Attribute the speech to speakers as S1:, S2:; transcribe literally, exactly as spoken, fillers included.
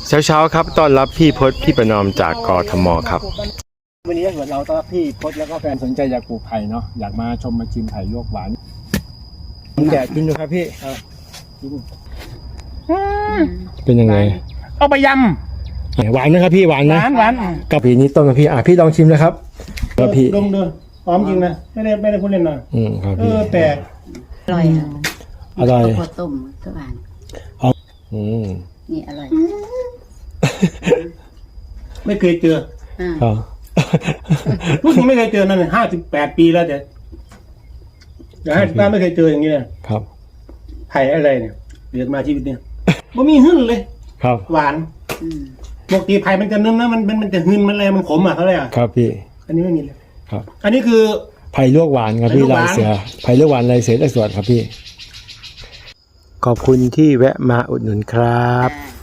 S1: เช้าเช้าครับต้อนรับพี่พจน์พี่ประนอมจากกทมครับ
S2: วันนี้ถ้าเกิดเราต้อนรับพี่พจน์แล้วก็แฟนสนใจอยากปลูกไผ่เนาะอยากมาชมมาชิมไผ่ลวกหวานแกะกินดูครับพี่กิน
S1: เป็นยังไง
S2: เอาไปย
S1: หวานนะครับพี่หวาน
S2: ำห
S1: นะ
S2: วานหวาน
S1: กับผีนี้ต้นกับพี่อ่ะพี่ลองชิมนะครับกับพี่
S2: ดมดูหอมจริงนะไม่ได้ไม่ได้พูดเล่นนะ
S1: อืมครับ
S2: เอ
S1: พี่
S2: อแปลก
S3: อร่อยอ่ะ
S1: อร่อย
S3: ข้าวต้มก็หวาน
S1: อืม
S3: นี่อร่อย
S2: ไม่เคยเจอ
S3: อ่า
S1: ครับ
S2: พูดจริงไม่เคยเจอนั่นห้าสิบแปดปีแล้วแต่อย่าให้ป้าไม่เคยเจออย่างนี้เลย
S1: ครับ
S2: ไผ่อะไรเนี่ยเกิดมาชีวิตเนี่ยไม่มีหึ่นเลย
S1: ครับ
S2: หวาน
S3: อืม
S2: ปกติไผ่มันจะนึ่มนะมันมันมันจะหึ่นมันอะไรมันขมอ่ะเขาเลยอ่ะ
S1: ครับพี่
S2: อันนี้ไม่มีเลย
S1: ครับ
S2: อันนี้คือ
S1: ไผ่ลวกหวานครับ
S2: ไผ่
S1: พี่
S2: ลวกหาย น
S1: ลาวเสือไผ่ลวกหวานลายเสือตะสวดครับพี่ขอบคุณที่แวะมาอุดหนุนครับ
S3: อ่า